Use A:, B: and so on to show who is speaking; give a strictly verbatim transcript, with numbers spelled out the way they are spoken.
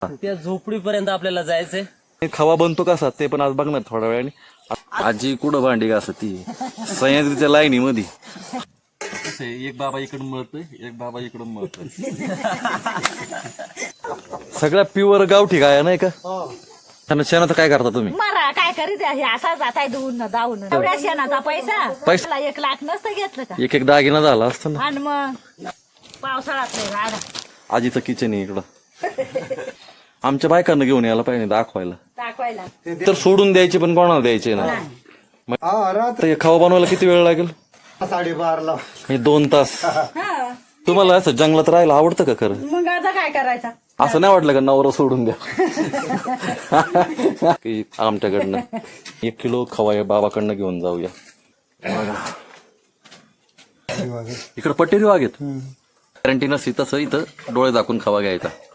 A: त्या झोपडीपर्यंत आपल्याला जायचंय.
B: खवा बनतो कसा ते पण आज बघणार थोड्या वेळाने. आजी कुठं भांडी का असं ती सह्याद्रीच्या लाईनी मध्ये एक बाबा इकडून मळतोय एक बाबा इकडून मळतोय. सगळ्या प्युअर गावठी गाया नाही का? त्यांना शेणाचं काय करता तुम्ही?
C: मारा काय करीत आहे असा जाताय धुवून धावून एवढ्या शेणाचा पैसा पैसा एक लाख नसतं घेतलं का?
B: एक एक दागिना झाला असता ना.
C: आणि मग पावसाळ्यात नाही राडा.
B: आजीचं किचन आहे इकडं. आमच्या बायकांना घेऊन यायला पाहिजे दाखवायला.
C: दाखवायला
B: तर सोडून द्यायचे पण कोणाला द्यायचे ना. मग हे खवा बनवायला किती वेळ लागेल?
D: साडेबारला
B: हे दोन तास. तुम्हाला असं जंगलात राहायला आवडतं का खरं?
C: मग आता काय करायचं?
B: असं नाही वाटलं का नवरा सोडून द्या? की आमच्याकडनं एक किलो खवा या बाबाकडनं घेऊन जाऊया. इकडं पटेरी वाघ आहेत. गॅरंटी नसती तसं इथं डोळे दाखवून खवा घ्यायचा.